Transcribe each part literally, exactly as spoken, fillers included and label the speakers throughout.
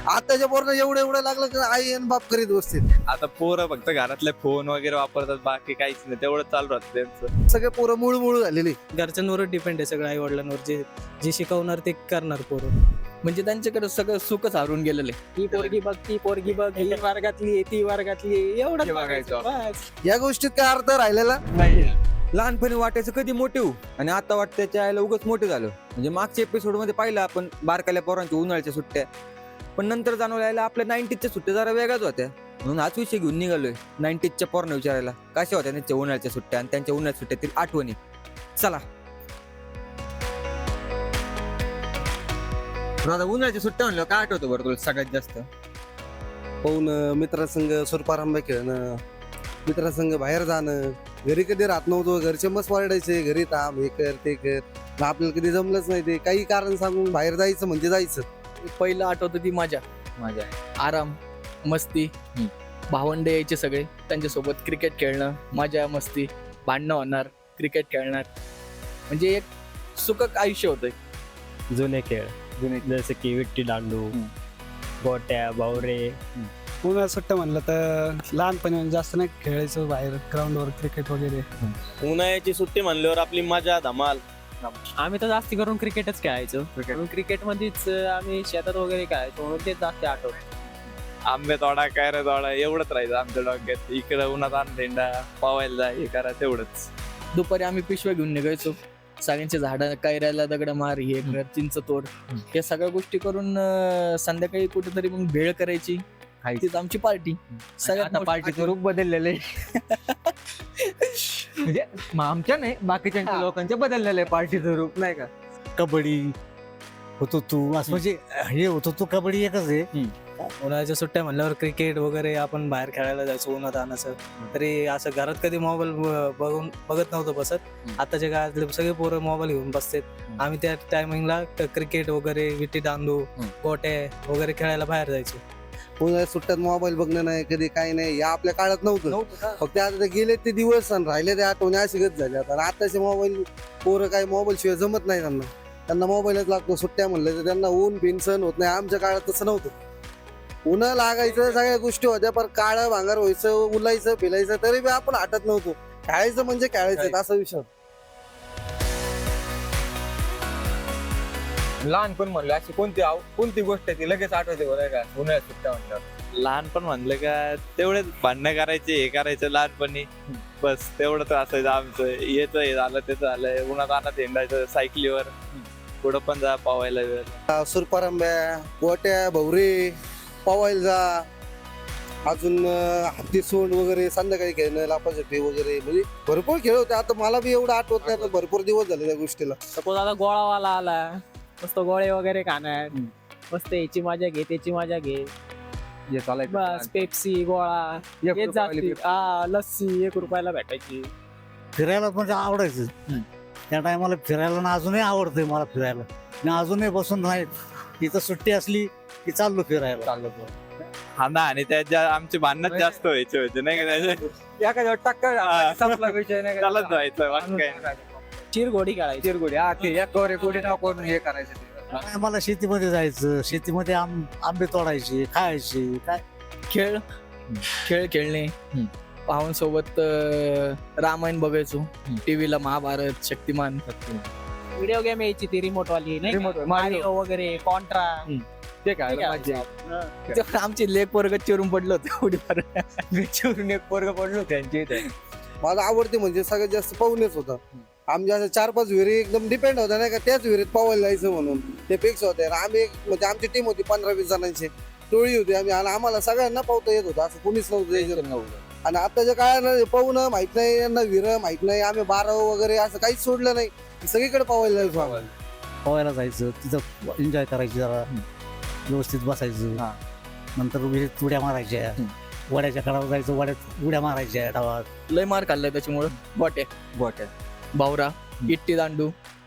Speaker 1: आताच्या पोरांना एवढं एवढं लागलं की आई आणि बाप करीत बसतील.
Speaker 2: आता पोरं फक्त घरातले फोन वगैरे वापरतात, बाकी काहीच नाही, तेवढं चालू राहतं त्यांचं.
Speaker 1: सगळे पोरं मूळ मूळ झालेली.
Speaker 3: घरच्यांवर डिपेंड आहे सगळं, आई वडिलांवर जे जे शिकवणार ते करणार पोरं.
Speaker 4: म्हणजे त्यांच्याकडे सगळं सुखच हरून गेलेलं आहे.
Speaker 3: ती पोरगी बघ ती पोरगी बघ ही वर्गातली आहे, ती वर्गातली आहे, एवढं
Speaker 2: हे बघायचं.
Speaker 3: बस.
Speaker 1: या गोष्टीत काय अर्थ राहिलेला
Speaker 2: नाही.
Speaker 5: लहानपणी वाटायचं कधी मोठे होऊ आणि आता वाटतं त्याच्या आईला उगाच मोठे झालं. म्हणजे मागच्या एपिसोड मध्ये पाहिलं आपण बारकाल्या पोरांच्या उन्हाळ्याच्या सुट्ट्या, पण नंतर जाणवलं यायला आपल्या नाईन्टीजच्या सुट्ट्या जरा वेगळ्याच होत्या. म्हणून हाच विषय घेऊन निघालोय नाईन्टीजच्या पोरांना विचारायला कशा होत्या त्यांच्या उन्हाळ्याच्या सुट्ट्या आणि त्यांच्या उन्हाळ्याच्या सुट्ट्यातील आठवणी. चला आता उन्हाळ्याच्या सुट्ट्या म्हणलं काय आठवतं बरं तुला सगळ्यात जास्त?
Speaker 1: पाहून मित्रासंग सुरपारंब्या खेळणं, मित्रासंग बाहेर जाणं. घरी कधी राहत नव्हतो, घरचे मस्त वारडायचे घरी थांब हे कर ते कर. पण आपल्याला कधी जमलंच नाही ते, काही कारण सांगून बाहेर जायचं म्हणजे जायचं.
Speaker 4: पहिलं आठवतं ती मजा,
Speaker 5: माझ्या
Speaker 4: आराम, मस्ती.
Speaker 5: हम्म.
Speaker 4: भावंडे यायचे सगळे, त्यांच्यासोबत क्रिकेट खेळणं, मजा मस्ती, भांडणं होणार, क्रिकेट खेळणार. म्हणजे एक सुखक आयुष्य होतं.
Speaker 6: जुने खेळ जसे की विट्टी दांडू, गोट्या, बावरे.
Speaker 7: उन्हाळ्यात सुट्ट्या म्हणलं तर लहानपणी जास्त नाही खेळायचो बाहेर ग्राउंडवर क्रिकेट वगैरे.
Speaker 8: उन्हाळ्याची सुट्टी म्हणल्यावर आपली मजा धमाल.
Speaker 3: आम्ही तर जास्ती करून क्रिकेटच खेळायचो. क्रिकेट मध्येच आम्ही शेतात वगैरे खेळायचो, म्हणून ते जास्त आठवत.
Speaker 2: आंबे तोडा, कैऱ्या तोडा एवढंच राहायचं आमच्या डोक्यात. इकडं उन्हात आण थेंडा, पावायला जा, हे करा, तेवढंच.
Speaker 4: दुपारी आम्ही पिशव्या घेऊन निघायचो, सगळ्यांचे झाडं, कैऱ्याला दगड मार, हे कर, चिंच तोड, या सगळ्या गोष्टी करून अं, संध्याकाळी कुठेतरी मग भेळ करायची. तीच आमची पार्टी. सगळ्यात
Speaker 5: आता पार्टीचं रूप बदललेलं आहे. म्हणजे म- आमच्या नाही बाकीच्या लोकांच्या बदललेलं आहे पार्टीचं रूप, नाही का?
Speaker 9: कबड्डी होतो तू असं म्हणजे हे होतो तू कबड्डी एकच आहे.
Speaker 3: उन्हाळ्याच्या सुट्ट्या म्हणल्यावर क्रिकेट वगैरे आपण बाहेर खेळायला जायचो उन्हात आणायचं. तरी असं घरात कधी मोबाईल बघून बघत नव्हतं बसत. आताच्या काळातले सगळे पोरं मोबाईल घेऊन बसतात. आम्ही त्या टायमिंगला क्रिकेट वगैरे, विटी दांडू, गोटे वगैरे खेळायला बाहेर जायचो.
Speaker 1: उन्हाळ्यात सुट्ट्यात मोबाईल बघणं नाही, कधी काही नाही, या आपल्या काळात नव्हतं. फक्त आता ते गेले ते दिवस आणि राहिले ते आठवणी अशी गत झाली. आता आताचे मोबाईल पोरं काही मोबाईल शिवाय जमत नाही त्यांना. त्यांना मोबाईलच लागतो. सुट्ट्या म्हणलं तर त्यांना ऊन बिन सहन होत नाही. आमच्या काळात तसं नव्हतं. उन्हा लागायचं, सगळ्या गोष्टी होत्या, पण काळं भांगार व्हायचं, उलायचं फिलायचं, तरी बी आपण हटत नव्हतो. खेळायचं म्हणजे खेळायचं असा विषय होता.
Speaker 5: लहानपण म्हणलं अशी कोणती आव- कोणती गोष्ट आहे ती लगेच आठवते बरं का उन्हाळ्यात सुट्ट्या म्हणल्यावर?
Speaker 2: लहानपण म्हणलं का तेवढेच भांडणं करायचे, हे करायचं लहानपणी, बस तेवढंच असायचं आमचं. याचं हे झालं, त्याचं झालं, उन्हात आणत हिंडायचं सायकलीवर, पुढं पण जा पावायला वेळ.
Speaker 1: सुरपारंब्या, गोट्या, भवरे, पवायला जा, अजून अं, हत्ती सोंड वगैरे, संध्याकाळी खेळणं, लापाछपी वगैरे, म्हणजे भरपूर खेळ होते. आता मला बी एवढं आठवत नाही, आता भरपूर दिवस झाले त्या गोष्टीला.
Speaker 3: सपोज आता गोळावाला आला, मस्त गोळे वगैरे खाणार, मस्त याची मजा घे त्याची मजा घे,
Speaker 5: हे चालायचं.
Speaker 3: बस पेप्सी गोळा
Speaker 5: एक
Speaker 3: हेच
Speaker 5: रुपयावाली
Speaker 3: जास्ती.
Speaker 5: पेप्सी.
Speaker 3: हा, लस्सी एक रुपयाला भेटायची.
Speaker 9: फिरायला म्हणजे आवडायचं. त्या टायमाला फिरायला ना अजूनही आवडतंय मला फिरायला. मी अजूनही बसून नाही, इथं सुट्टी असली की चाललो फिरायला.
Speaker 5: चाललं बरं.
Speaker 2: हा ना, आणि त्याच्या आमचे भांडणच जास्त व्हायचे होते, नाही का? त्याच्या
Speaker 5: एखाद्या टक्कर संपला विषय नाही का?
Speaker 2: चालत व्हायचं, बाकी काय नाही.
Speaker 3: चिरघोडी खेळायची.
Speaker 5: चिरगुडी हा ते एक वर एक उडी नाव करून हे करायचं ते.
Speaker 9: काय मला शेतीमध्ये जायचं, शेतीमध्ये आम आंबे तोडायचे, खायचे. काय
Speaker 4: खेळ खेळ खेळणे, भावांसोबत अं, रामायण बघायचो टीव्हीला, महाभारत, शक्तिमान.
Speaker 3: व्हिडिओ गेम यायची ती रिमोट वाली नाही
Speaker 5: Remote
Speaker 3: का?
Speaker 5: वाली.
Speaker 3: मारिओ वगैरे, कॉन्ट्रा.
Speaker 5: ते काय
Speaker 3: ते
Speaker 5: मजा.
Speaker 4: तेव्हा आमची लेक वर्ग चिरून पडलं होतं उडीवर.
Speaker 5: चिरून एक पोरग पडलो त्यांच्या इथे.
Speaker 1: माझा आवडते म्हणजे सगळ्यात जास्त पाहुणेच होता. आमच्या असं चार पाच विहिरी एकदम डिपेंड होत्या, नाही का, त्याच विहिरीत पावायला जायचं म्हणून. ते फिक्स होते. आम्ही एक म्हणजे आमची टीम होती पंधरा वीस जणांची टोळी होती आम्ही, आणि आम्हाला सगळ्यांना पावता येत होतं, असं कोणीच नव्हतं यायचं. आणि आताच्या काळात पाहुणं माहित नाही, यांना विहिर माहित नाही, आम्ही बाराव वगैरे असं काहीच सोडलं नाही, सगळीकडे पावायला जायचो आम्हाला.
Speaker 9: पोहायला जायचं, तिथं एन्जॉय करायची, जरा व्यवस्थित बसायचं.
Speaker 5: हा.
Speaker 9: नंतर विहिरीत उड्या मारायच्या, वड्याच्या कडावर जायचं, वड्यात उड्या मारायच्या डावात.
Speaker 4: लय मार खाल्लाय त्याच्यामुळं. गोट्या,
Speaker 5: गोट्या.
Speaker 4: बावरा, इट्टी दांडू,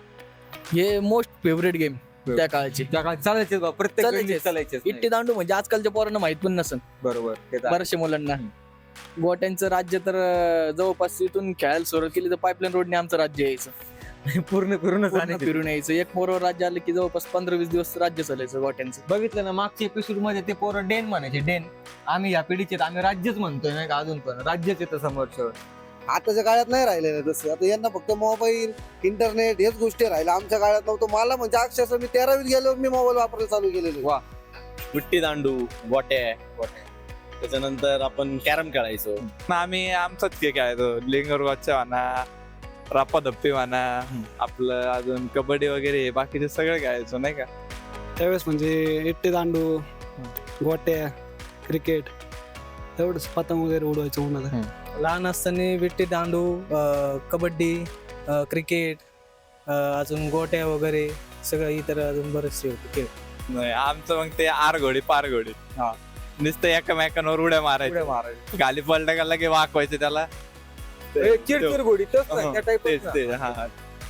Speaker 4: हे मोस्ट फेवरेट गेम त्या काळाचे.
Speaker 5: त्या काळात चालायचे बा, प्रत्येक
Speaker 4: चालायचेच.
Speaker 5: वेळी चालायचे.
Speaker 4: इट्टी दांडू म्हणजे आजकालच्या पोरांना माहित पण नसेल
Speaker 5: बरोबर ते तर.
Speaker 4: बऱ्याचशा मुलांना. गोट्यांचं राज्य तर अं, जवळपास इथून खेळायला सुरुवात केली तर पाईपलाईन रोडने आमचं राज्य यायचं.
Speaker 5: पूर्ण फिरूनच
Speaker 4: पूर्ण
Speaker 5: आणायचे.
Speaker 4: फिरून यायचं. एक पोरं राज्य आलं की जवळपास पंधरा वीस दिवस राज्य चालायचं गोट्यांचं.
Speaker 5: बघितलं ना मागच्या एपिसोड मध्ये ते पोरं डेन म्हणायचे डेन. आम्ही या पिढीचे आहेत, आम्ही राज्यच म्हणतोय नाही का अजून पण राज्यच येतं समोरचं.
Speaker 1: आताच्या काळात नाही राहिलेलं तसं. आता यांना फक्त मोबाईल इंटरनेट हेच गोष्टी राहिल्या. आमच्या काळात नव्हतं. मला म्हणजे अक्षरशः मी तेरावीत गेल्यावर मी मोबाईल वापरायला चालू केलेले.
Speaker 5: वा.
Speaker 8: विट्टी दांडू, गोट्या त्याच्यानंतर आपण कॅरम खेळायचो.
Speaker 2: आम्ही आमचाच खेळ खेळायचो. लिंगर गच्चा म्हणा, राप्पा धप्पी म्हणा, आपलं अजून कबड्डी वगैरे बाकीचे सगळं खेळायचो नाही का.
Speaker 7: त्यावेळेस म्हणजे इट्टे दांडू, गोट्या, क्रिकेट तेवढंच, पतंग वगैरे उडवायचं उन्हात.
Speaker 3: लहान असताना विट्टी दांडू, अं, कबड्डी, अं, क्रिकेट, अं, अजून गोट्या वगैरे सगळं इतर अजून बरेचसे होते खेळ.
Speaker 2: नाही, आमचं मग ते आर घोडी पार घोडी नुसतं एकमेकांवर उड्या मारायचं. खाली पलटा गेला की वाकवायचे त्याला.
Speaker 5: ए, चिरचिर घोडी तोच ना,
Speaker 2: हा,
Speaker 5: त्या type
Speaker 2: तेच
Speaker 5: च ना.
Speaker 2: ते हा.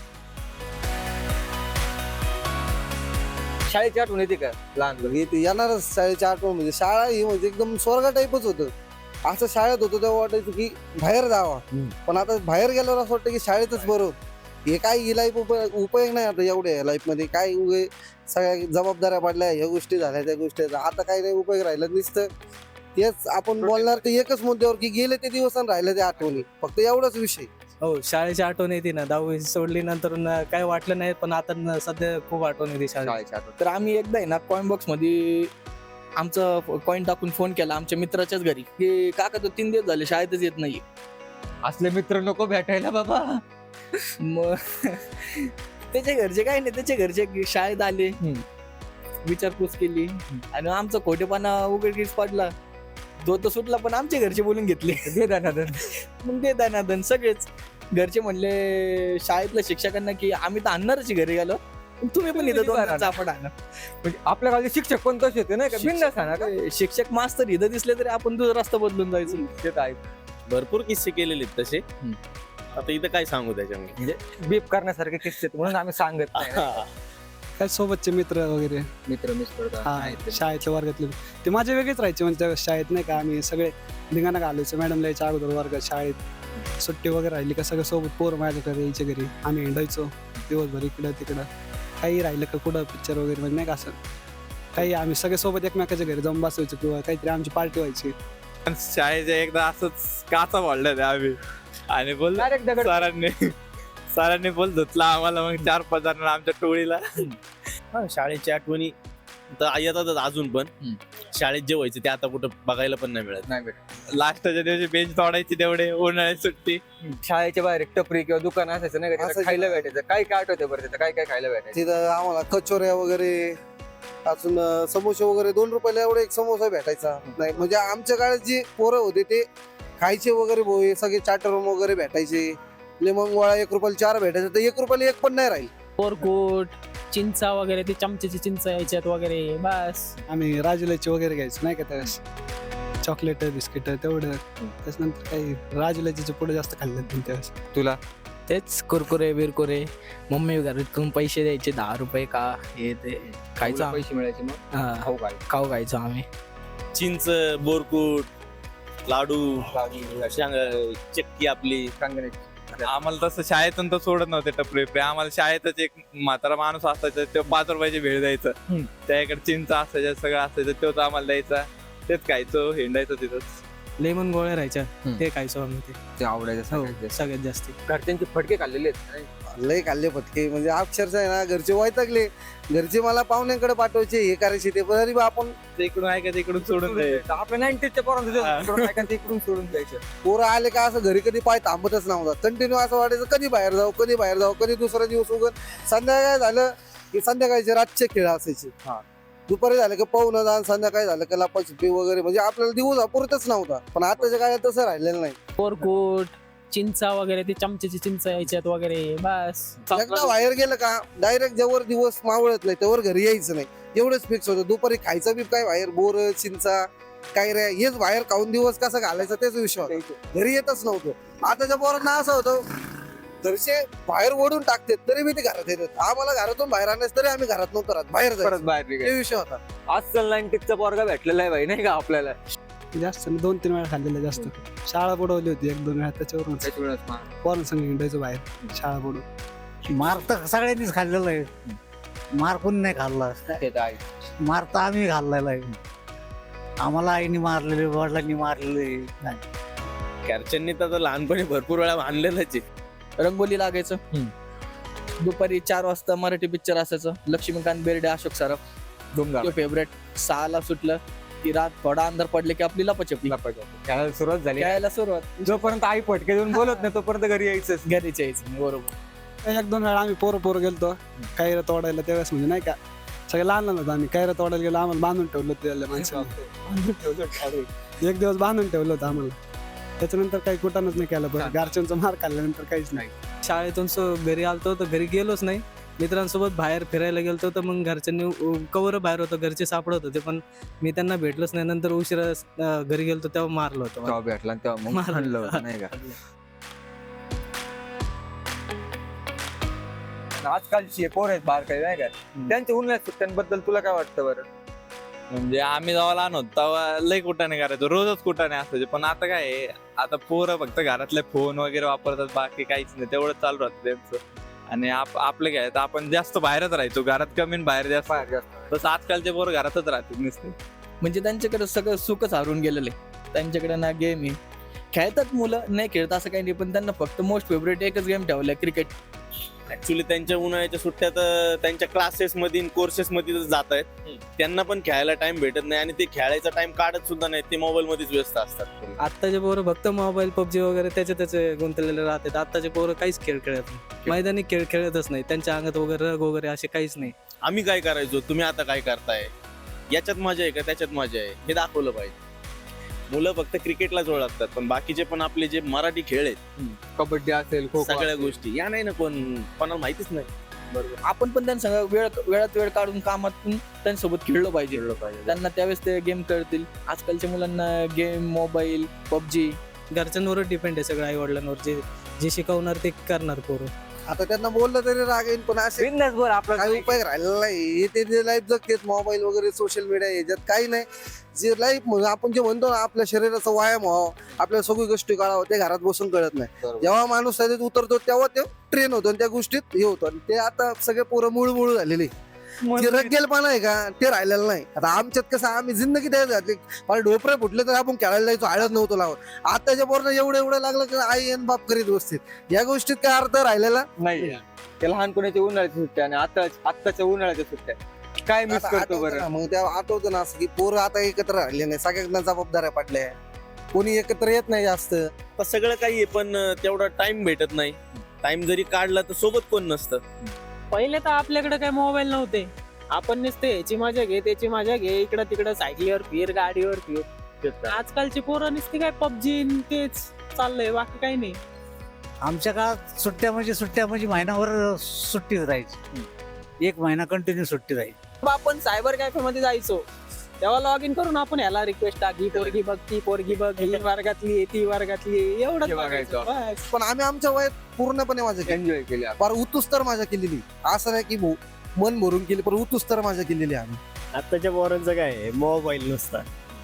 Speaker 5: शाळेची आठवण येते का लहान
Speaker 1: येते येणारच शाळेच्या आठवण. म्हणजे शाळा ही म्हणजे एकदम स्वर्गा टाईपच होतं. असं शाळेत होतं तेव्हा वाटायचं की बाहेर जावा. पण आता बाहेर गेल्यावर असं वाटतं की शाळेतच बरं. हे काय ही लाईफ उपयोग नाही आता एवढ्या लाईफ मध्ये. काय उगे सगळ्या जबाबदाऱ्या पडल्या, ह्या गोष्टी झाल्या त्या गोष्टी झाल्या. आता काही नाही उपयोग राहिला. नुसतं तेच आपण बोलणार ते एकच मुद्द्यावर की गेले ते दिवस आणि राहिले ते आठवणी. फक्त एवढाच विषय.
Speaker 3: हो, शाळेची आठवण येते ना. दहावी सोडली नंतर न काय वाटलं नाही, पण आता न सध्या खूप आठवण येते शाळेची.
Speaker 5: शाळेची आठवण.
Speaker 4: तर आम्ही एकदा आहे ना कॉइन बॉक्स मध्ये आमचा कॉइन टाकून फोन केला आमच्या मित्राच्याच घरी की काका तो तीन दिवस झाले शाळेतच येत नाही.
Speaker 5: असले मित्र नको भेटायला बाबा.
Speaker 4: मग त्याच्या घरचे काय नाही, त्याच्या घरचे शाळेत आले, विचारपूस केली आणि आमचा खोटेपणा उघडकीस पडला. तो तर सुटला पण आमच्या घरचे बोलून घेतले.
Speaker 5: दे दानादन.
Speaker 4: मग ते दानादन सगळेच घरचे म्हणले शाळेतल्या शिक्षकांना की आम्ही तर आणणारच घरी गेलो, पण तुम्ही पण इथं दोन चापड आणा.
Speaker 5: म्हणजे आपल्या गावचे शिक्षक पण तसे होते नाही का, बिनधास्त आणा का.
Speaker 4: शिक्षक मास्तर इथं दिसले तरी आपण तुझा रस्ता बदलून जायचं.
Speaker 5: ते तर आहे.
Speaker 8: भरपूर किस्से केलेले आहेत तसे. आता इथं काय सांगू त्याच्यामध्ये.
Speaker 5: म्हणजे बीप करण्यासारखे किस्से आहेत, म्हणून आम्ही सांगत नाही.
Speaker 7: काय सोबतचे मित्र वगैरे,
Speaker 5: मित्र मिस
Speaker 7: हा शाळेतल्या वर्गातले ते माझे वेगळेच राहायचे. म्हणजे त्या शाळेत नाही का आम्ही सगळे धिंगाणा घालायचो. मॅडमला यायच्या अगोदर वर्गात शाळेत सुट्टी वगैरे राहिली का सगळं सोबत पोरं माझ्याकडे यायच्या घरी. आम्ही हिंडायचो दिवसभर इकडं तिकडं. काही राहिलं का कुठं पिक्चर वगैरे म्हणजे नाही का असं काही आम्ही सगळे सोबत एकमेकाच्या घरी जाऊन बसायचो किंवा काहीतरी आमची पार्टी व्हायची.
Speaker 2: पण शाळेच्या एकदा असंच काचा वाढलं ते आम्ही आणि बोल
Speaker 5: डायरेक्ट दगड.
Speaker 2: सरांनी सरांनी बोल धुतला आम्हाला. मग चार पाच जण आमच्या टोळीला.
Speaker 8: हा, शाळेची आठवणी तर येतातच अजून पण. शाळेत जे व्हायचं ते आता कुठं बघायला पण नाही मिळत.
Speaker 5: नाही भेटत.
Speaker 2: लास्टच्या दिवशी बेंच तोडायची तेवढे उन्हाळ्याची सुट्टी.
Speaker 5: शाळेच्या बाहेर एक टपरी किंवा दुकान असायचं नाही का, तिथं
Speaker 1: असायचं.
Speaker 5: खायला भेटायचं. काय काय आठवतं बरं तिथं काय काय खायला भेटायचं.
Speaker 1: तिथं आम्हाला कचोऱ्या वगैरे अजून अं, समोसे वगैरे दोन रुपयाला एवढा एक समोसा भेटायचा. नाही म्हणजे आमच्या काळात जे पोरं होते ते खायचे वगैरे भोय सगळे चाटर वगैरे भेटायचे. लेमन गोळा एक रुपयाला चार भेटायचे, तर एक रुपयाला एक पण नाही राहील.
Speaker 10: कोरकोट, चिंचा वगैरे, ते चमच्याची चिंच यायच्यात वगैरे बस.
Speaker 7: आम्ही राजुलाची वगैरे घ्यायचो नाही का त्यावेळेस. चॉकलेट बिस्किट तेवढं. त्याच्यानंतर काही राजुलाची पुढे जास्त खाल्लं त्यावेळेस.
Speaker 5: तुला
Speaker 10: तेच कुरकुरे बिरकुरे. मम्मी घरातून पैसे द्यायचे दहा रुपये का हे ते खायचं
Speaker 5: तुला
Speaker 10: आम्ही.
Speaker 5: पैसे मिळायचे मग
Speaker 10: हा,
Speaker 5: खाऊ काय
Speaker 10: खाऊ खायचो आम्ही.
Speaker 8: चिंच, बोरकूट, लाडू, शांग- चक्की आपली.
Speaker 5: सांगण्याची.
Speaker 2: आम्हाला तसं शाळेतून तर सोडत नव्हते टपरी बिपरी. आम्हाला शाळेतच एक म्हातारा माणूस असायचा, तो पाच रुपयाची भेळ द्यायचं. त्याकडे चिंच असायचं सगळं असायचं, तोच आम्हाला द्यायचा. तेच खायचो, हिंडायचो तिथंच.
Speaker 3: लेमन गोळ्या राहायच्या ते खायचो आम्ही. ते
Speaker 5: ते आवडायचं
Speaker 3: हो,
Speaker 5: सगळ्यात जास्त.
Speaker 3: सगळ्यात जास्ती.
Speaker 5: घरच्यांचे फटके खाल्लेले आहेत.
Speaker 1: लय खाल्ले फटके. म्हणजे अक्षरशः आहे ना घरचे वैतागले. घरचे मला पाहुण्यांकडे पाठवायचे, हे करायचे ते. तरी बा आपण
Speaker 2: ते इकडून ऐकायचं इकडून सोडून द्यायचं.
Speaker 5: आपल्या नाईन्टीजच्या पोरांचं इकडून सोडून द्यायचं.
Speaker 1: पोरं आले का असं घरी कधी पाय थांबतच नव्हता. कंटिन्यू असं वाटायचं कधी बाहेर जाऊ कधी बाहेर जाऊ. कधी दुसरा दिवस उगत संध्याकाळ झालं की संध्याकाळचे रातचे खेळ असायचे. दुपारी झालं की पाहुणं जा, संध्याकाळी झालं की लपाछपी वगैरे. म्हणजे आपल्याला दिवस अपुरतच नव्हता. पण आताच्या काळात तसं राहिलेलं नाही.
Speaker 10: कोरकोट, चिंचा वगैरे, ते चमच्याची चिंच यायच्यात वगैरे बस.
Speaker 1: एकदा बाहेर गेलं का डायरेक्ट जेवर दिवस मावळत नाही त्यावर घरी यायचं नाही, एवढंच फिक्स होतं. दुपारी खायचं बी काय बाहेर, बोर चिंचा काय रे हेच बाहेर खाऊन दिवस कसा घालायचा तेच विषय होता. घरी येतच नव्हतं. आताच्या पोरांना असं होतं घरचे बाहेर ओढून टाकते तरी मी ते घरात येतात. आम्हाला घरातून बाहेर आणण्यास तरी आम्ही घरात नव्हतो राहत, बाहेर
Speaker 5: परत
Speaker 1: जायचं.
Speaker 5: बाहेर
Speaker 1: ते
Speaker 5: निघायचं.
Speaker 1: विषय होता.
Speaker 5: आजकाल नाईन्टीजचा पोरगा भेटलेला आहे भाई नाही का आपल्याला.
Speaker 7: जास्त नाही, दोन तीन वेळा खाल्लेलं जास्त. शाळा बुडवली होती एक दोन वेळा त्याच्यावरून
Speaker 5: त्याच्यामुळेच मग.
Speaker 7: पोरांसंग हिंडायचो बाहेर शाळा बुडून.
Speaker 9: मार तर सगळ्यांनीच खाल्लेला आहे. मार कोणी नाही खाल्ला.
Speaker 5: ते तर आहे.
Speaker 9: मार तर आम्ही खाल्लेला आहे. आम्हाला आईने मारलेले, वडिलांनी मारलेले.
Speaker 8: घरच्यांनी तर लहानपणी भरपूर वेळा मानलेलंच आहे.
Speaker 4: रंगोली लागायचं दुपारी चार वाजता मराठी पिक्चर असायचं. लक्ष्मीकांत बेर्डे, अशोक सराफ
Speaker 5: धुमधाम
Speaker 4: फेवरेट. सहाला सुटलं की रात थोडा अंधार पडले की आपली लपाछपी
Speaker 5: खेळायला सुरुवात झाली.
Speaker 4: खेळायला सुरुवात.
Speaker 5: जोपर्यंत आई फटके देऊन बोलत नाही तोपर्यंत घरी यायचं.
Speaker 4: घरीच यायचं. बरोबर.
Speaker 7: एक दोन वेळा आम्ही पोरं पोरं गेलतो कैरं तोडायला, त्यावेळेस म्हणजे नाही का सगळे लहान लहान होतं. आम्ही कैरं तोडायला गेलो, आम्हाला बांधून ठेवलं होतं त्याला माणसाने. एक दिवस बांधून ठेवलं होतं आम्हाला. त्याच्यानंतर काही कुठानच नाही केलं. बरं घरच्यांचा मार खाल्ल्यानंतर काहीच नाही.
Speaker 3: शाळेतून सो घरी आलतो तर घरी गेलोच नाही. मित्रांसोबत बाहेर फिरायला गेलतो तर मग घरच्यांनी कवर बाहेर होतं, घरचे सापडत होते पण मी त्यांना भेटलोच नाही. नंतर उशिरा अं, घरी गेलतो तेव्हा मारलं होतं मला.
Speaker 5: तेव्हा भेटला आणि तेव्हा मग
Speaker 3: मारलं.
Speaker 5: हाणलं होतं, नाही का. आजकालची पोर आहेत बाहेर काही, नाही का, त्यांच्या उन्हाळ्यात सुट्ट्यांबद्दल तुला काय वाटतं बरं?
Speaker 2: म्हणजे आम्ही जेव्हा लहान होतो तेव्हा लय कुठाने करायचो, रोजच कुठाने असायचे. पण आता काय आहे, आता पोरं फक्त घरातले फोन वगैरे वापरतात, बाकी काहीच नाही. तेवढं चालू राहतं त्यांचं. आणि आप आपलं काय तर आपण जास्त बाहेरच राहायचो, घरात कमी आणि बाहेर जास्त.
Speaker 5: बाहेर जास्त.
Speaker 2: तसं आजकालचे पोरं घरातच राहतात नुसते.
Speaker 4: म्हणजे त्यांच्याकडे सगळं सुखच हरून गेलेलं आहे. त्यांच्याकडे ना गेम आहे. खेळतात मुलं, नाही खेळत असं काही नाही, पण त्यांना फक्त मोस्ट फेवरेट एकच गेम ठेवलाय, क्रिकेट.
Speaker 8: ऍक्च्युली त्यांच्या उन्हाळ्याच्या सुट्ट्या तर त्यांच्या क्लासेस मध्ये कोर्सेस मध्ये जात आहेत. त्यांना पण खेळायला टाइम भेटत नाही आणि ते खेळायचा टाइम काढत सुद्धा नाही. ते मोबाईल मध्येच व्यस्त असतात.
Speaker 3: आत्ताचे पोरं फक्त मोबाईल, पबजी वगैरे त्याचे त्याचे गुंतलेले राहतात. आत्ताचे पोरं काहीच खेळ खेळत नाही, मैदानी खेळ खेळतच नाही. त्यांच्या अंगात वगैरे रग वगैरे असे काहीच नाही.
Speaker 8: आम्ही काय करायचो, तुम्ही आता काय करताय, याच्यात मजा आहे का त्याच्यात मजा आहे, हे दाखवलं पाहिजे. मुलं फक्त क्रिकेटलाच ओळखतात, पण बाकीचे पण आपले जे मराठी खेळ आहेत,
Speaker 5: कबड्डी असेल, खो खो
Speaker 8: सगळ्या
Speaker 5: असेल.
Speaker 8: गोष्टी या नाही ना कोण कोणाला माहितीच नाही.
Speaker 4: बरोबर. आपण पण त्यांना सगळं वेळ वेळात वेळ काढून कामातून त्यांच्यासोबत खेळलं पाहिजे.
Speaker 5: खेळलं पाहिजे.
Speaker 4: त्यांना त्यावेळेस ते गेम कळतील. आजकालच्या मुलांना गेम, मोबाईल, पबजी.
Speaker 3: घरच्यांवर डिपेंड आहे सगळं, आई वडिलांवर. जे जे शिकवणार ते करणार पोरं.
Speaker 1: आता त्यांना बोललं तरी राग येईल, पण असे
Speaker 5: बिनधास्त बोल, आपला
Speaker 1: काही उपाय राहिलेला नाही. ते जे लाईफ जगतेत मोबाईल वगैरे सोशल मीडिया याच्यात काही नाही. जे लाईफ म्हणजे आपण जे म्हणतो ना, आपल्या शरीराचा व्यायाम व्हावा, आपल्या सगळी गोष्टी कळावं, ते घरात बसून कळत नाही.
Speaker 5: बरोबर.
Speaker 1: जेव्हा माणूस त्याच्यात उतरतो तेव्हा ते ट्रेन होतो आणि त्या गोष्टीत हे होतं. आणि ते आता सगळे पोरं मूळ मूळ झालेले. जे रगेलपणा आहे का ते राहिलेलं नाही. आता आमच्यात कसं, आम्ही जिंदगी द्यायला घातली. मला ढोपरे फुटले तर आपण खेळायला जायचो, हळद नव्हतो लावत. आताच्या पोरांना एवढं एवढं लागलं की आई आणि बाप करीत बसतील. या गोष्टीत काय अर्थ राहिलेला
Speaker 5: नाही. ते लहानपणाच्या उन्हाळ्याच्या सुट्ट्या आणि आता आत्ताच्या उन्हाळ्याच्या सुट्ट्या काय मिस
Speaker 1: आता
Speaker 5: करतो
Speaker 1: आठवतं
Speaker 5: बरं?
Speaker 1: ना, मग त्या आठवतं ना असं की पोरं आता एकत्र राहिले नाही, सगळ्यांना जबाबदाऱ्या पडल्या, कोणी एकत्र येत नाही जास्त.
Speaker 8: तर सगळं काही आहे, पण तेवढा टाइम भेटत नाही. टाइम जरी काढला तर सोबत कोण नसतं.
Speaker 11: पहिले तर आपल्याकडे काय मोबाईल नव्हते. आपण नुसते याची मजा घे, त्याची मजा घे, इकडं तिकडं सायकलीवर फिर, गाडीवर फिर. आजकालची पोरं नुसती काय पबजी तेच चाललंय, बाकी काही नाही.
Speaker 9: आमच्या काळात सुट्ट्या म्हणजे सुट्ट्या म्हणजे महिनाभर सुट्टीच राहायची. एक महिना कंटिन्यू सुट्टी राहायची.
Speaker 11: आपण सायबर कॅफे मध्ये जायचो, तेव्हा लॉग इन करून आपण याला रिक्वेस्ट टाकी, पोरगी बघ, ती पोरगी बघ, ही वर्गातली आहे, ती वर्गातली आहे, एवढंच
Speaker 5: हे बघायचं.
Speaker 11: बघायचं. बस.
Speaker 1: पण आम्ही आमच्या वयात पूर्णपणे मजा केली,
Speaker 5: एन्जॉय केली आपण.
Speaker 1: फार उतुस तर मजा केलेली. असं नाही की भो- मन भरून केली, पण उतुस तर मजा केलेली आम्ही.
Speaker 6: आत्ताच्या पोरांचं काय आहे, मोबाईल नुसता.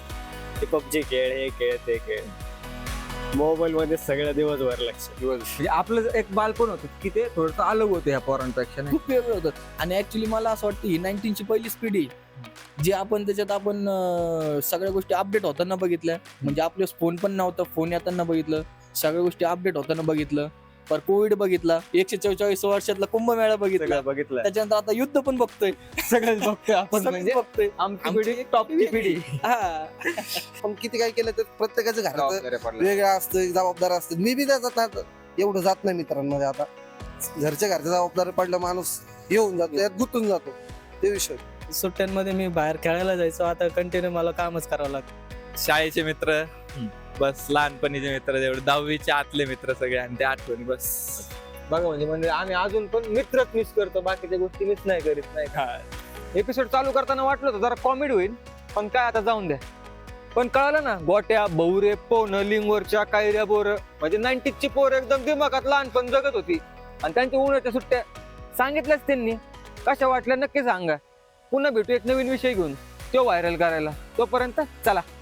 Speaker 6: ते पबजी खेळ, हे खेळ, ते खेळ. मोबाईल मध्ये सगळं दिवसभर लक्ष.
Speaker 5: म्हणजे आपलं एक बालपण होतं की ते थोडंसं अलग होतं ह्या पोरांपेक्षा, नाही.
Speaker 4: खूप वेगळं होतं. आणि ऍक्च्युली मला असं वाटतं ही नाईन्टीनची पहिली स्पीड आहे, जी आपण त्याच्यात आपण अं, सगळ्या गोष्टी अपडेट होताना बघितल्या. म्हणजे आपले फोन पण नव्हतं, फोन येताना बघितलं, सगळ्या गोष्टी अपडेट होताना बघितलं. पर कोविड बघितला, एकशे चौवेचाळीस वर्षातला कुंभमेळा बघितला,
Speaker 6: सगळं बघितलं.
Speaker 4: त्याच्यानंतर आता युद्ध पण बघतोय.
Speaker 5: सगळंच बघतोय आपण.
Speaker 4: सगळंच
Speaker 5: म्हणजे
Speaker 4: बघतोय.
Speaker 5: आमची
Speaker 4: आमची
Speaker 5: पिढी टॉपची पिढी.
Speaker 4: हा.
Speaker 1: पण किती काय केलं तर प्रत्येकाचं घरात
Speaker 5: जबाबदाऱ्या पडल्या.
Speaker 1: वेगळं असतं, एक जबाबदार असतं. मी बी त्याच्यात आता एवढं जात नाही मित्रांमध्ये. आता घरच्या घरच्या जबाबदारी पडलं माणूस येऊन जातो, यात गुंतून जातो. ते विषय
Speaker 3: सुट्ट्यांमध्ये मी बाहेर खेळायला जायचो, आता कंटिन्यू मला कामच करावं लागतं.
Speaker 2: शाळेचे मित्र, बस लहानपणीचे मित्र, जेवढे दहावीचे आतले मित्र सगळे, आणि ते आठवणी बस.
Speaker 5: बघा म्हणजे म्हणजे आम्ही अजून पण मित्रच मिस करतो, बाकीच्या गोष्टी मिस नाही करीत, नाही का. एपिसोड चालू करताना वाटलं होतं जरा कॉमेडी होईल, पण काय आता जाऊन द्या. पण कळालं ना, गोट्या, बहुरे, पोन, लिंगवरच्या, कायऱ्या, बोर, म्हणजे नाईन्टीजची पोर एकदम दिमागात लहानपण जगत होती. आणि त्यांच्या उन्हाळ्याच्या सुट्ट्या सांगितल्याच त्यांनी. कशा वाटल्या नक्की सांगा. पुन्हा भेटू एक नवीन विषय घेऊन, तो व्हायरल करायला. तोपर्यंत चला.